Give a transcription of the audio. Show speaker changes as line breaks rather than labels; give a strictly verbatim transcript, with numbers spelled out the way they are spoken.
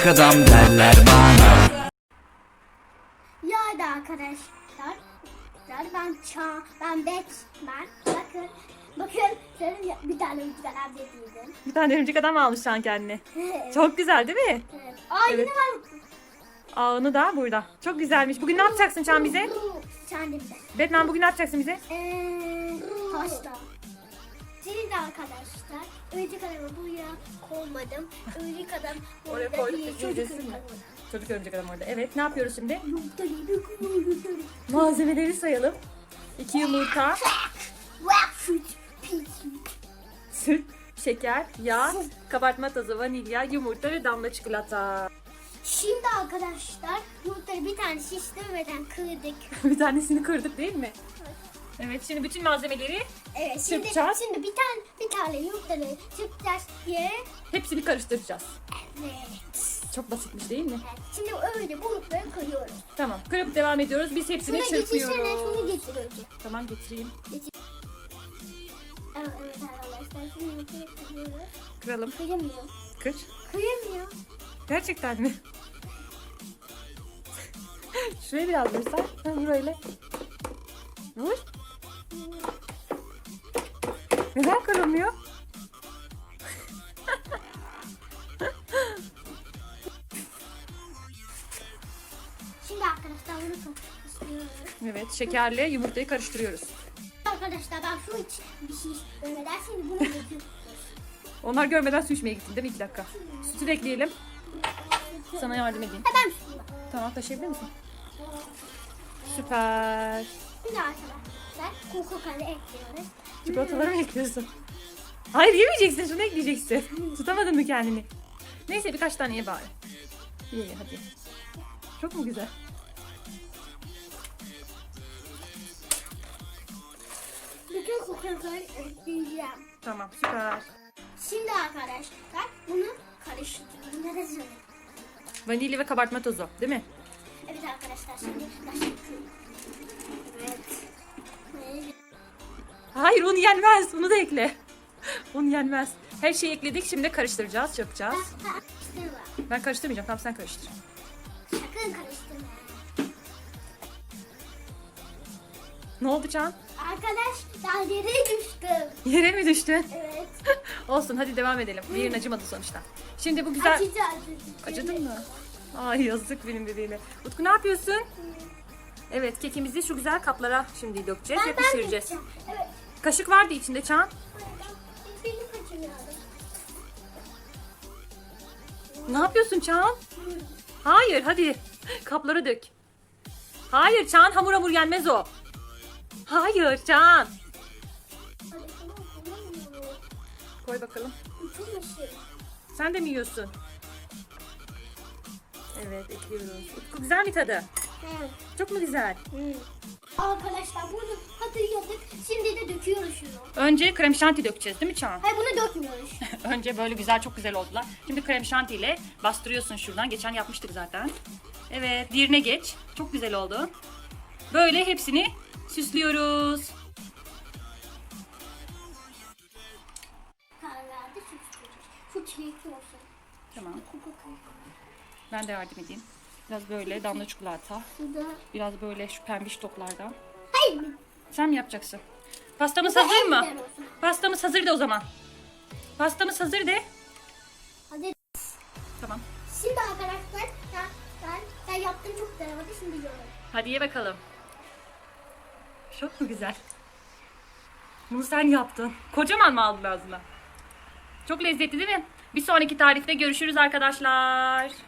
adam derler bana.
Ya da arkadaşlar, ben ça, ben Batman. Bakın, bakın, şöyle bir tane örümcek adam getirdim.
Bir tane örümcek adam almış şu an kendine. Çok güzel değil mi?
Evet. Aa
Evet.
yine var.
Ağını da burada. Çok güzelmiş. Bugün ne yapacaksın Çağan bize?
Kendimde.
Batman bugün ne yapacaksın bize?
Eee, pasta. Şimdi de arkadaşlar, örümcek adamı buraya koymadım. Örümcek adam
Oraya
burada
koyduk,
bir
biz
çocuk
izlesin
örümcek
mi?
adam.
Çocuk örümcek adam orada. Evet, ne yapıyoruz şimdi?
Yumurta gibi koyuyorum.
Malzemeleri sayalım. İki yumurta,
Süt, pis.
süt, şeker, yağ, kabartma tozu, vanilya, yumurta ve damla çikolata.
Şimdi arkadaşlar yumurtayı bir tane şişlemeden kırdık.
Bir tanesini kırdık değil mi? Evet, şimdi bütün malzemeleri
Evet şimdi,
Çırpacağız.
şimdi bir tane bir tane yumurtayı çırpacağız diye.
hepsini karıştıracağız.
Evet.
Çok basitmiş değil mi?
Evet. Şimdi öyle bulutları kırıyoruz.
Tamam, kırıp devam ediyoruz. Biz hepsini
Şuna getirsene,
çırpıyoruz.
şunu getir önce.
Tamam, getireyim.
Evet, evet arkadaşlar şimdi yumurtayı kırıyoruz.
Kıralım.
Kıyamıyor.
Kır.
Kıyamıyor.
Gerçekten mi? Şuraya biraz vursan. Ha, vur öyle. Vur. Neden kırılmıyor?
Şimdi arkadaşlar bunu karıştırıyoruz.
Evet, şekerle yumurtayı karıştırıyoruz.
Arkadaşlar ben şu hiç bir şey ölmeden şimdi bunu döküyorum.
Onlar görmeden su içmeye gittin değil mi? İki dakika. Sütü de ekleyelim. Sana yardım edeyim.
Hemen şunu.
Tamam, taşıyabilir misin? Süper.
Şimdi arkadaşlar Coca-Cola ekliyoruz.
Çikolataları mı ekliyorsun? Hayır, yemeyeceksin. Şunu ekleyeceksin. Tutamadın mı kendini? Neyse, birkaç tane ye bari. Ye ye hadi. Çok mu güzel?
Bütün Coca-Cola'yı ekleyeceğim.
Tamam, süper.
Şimdi arkadaşlar bunu karıştırıyoruz.
Vanilya ve kabartma tozu, değil mi?
Evet arkadaşlar şimdi karıştırıyorum. Evet. Evet.
Hayır, un yenmez. Unu da ekle. Un yenmez. Her şeyi ekledik. Şimdi karıştıracağız, çırpacağız.
Karıştırma.
Ben karıştırmayacağım. Tamam, sen karıştır.
Sakın karıştırma.
Ne oldu Can?
Arkadaşlar yere düştüm.
Yere mi düştün?
Evet.
Olsun, hadi devam edelim. Bir yerin acımadı sonuçta. Şimdi bu güzel...
Acıdı acıdı.
Acıdın mı? Ay yazık benim bebeğime. Utku ne yapıyorsun? Evet, kekimizi şu güzel kaplara şimdi dökeceğiz ve
Ben ben
pişireceğiz.
geçeceğim. Evet.
Kaşık vardı içinde Çağan.
Beni kaçırıyordum.
Ne yapıyorsun Çağan? Hayır, hadi. Kaplara dök. Hayır Çağan, hamur hamur yenmez o. Hayır Çağan.
Hadi tamam tamam.
Koy bakalım.
Bütün şey.
Sen de mi yiyorsun? Evet, ekliyoruz. Utku güzel mi tadı?
Evet.
Çok mu güzel?
Arkadaşlar bunu hatırladık. Şimdi de döküyoruz şunu.
Önce krem şanti dökeceğiz değil mi Çağan?
Hayır bunu dökmüyoruz.
Önce böyle güzel, çok güzel oldular. Şimdi krem şanti ile bastırıyorsun şuradan. Geçen yapmıştık zaten. Evet, diğerine geç. Çok güzel oldu. Böyle hepsini süslüyoruz.
Kahvelerde süt koyacağız. Şu çilekli olsun.
Tamam.
Coca-Cola.
Ben de yardım edeyim. Biraz böyle damla çikolata.
Şurada.
Biraz böyle şu pembiş toplardan.
Hayır.
Sen mi yapacaksın? Pastamız
Bu
hazır
en
mı?
güzel olsun.
Pastamız hazır de o zaman. Pastamız hazır de.
Hadi.
Tamam.
Şimdi arkadaşlar ben, ben, ben yaptım çok güzel oldu. Şimdi yiyorum.
Hadi ye bakalım. Çok mu güzel? Bunu sen yaptın. Kocaman mı aldın ağzına? Çok lezzetli değil mi? Bir sonraki tarifte görüşürüz arkadaşlar.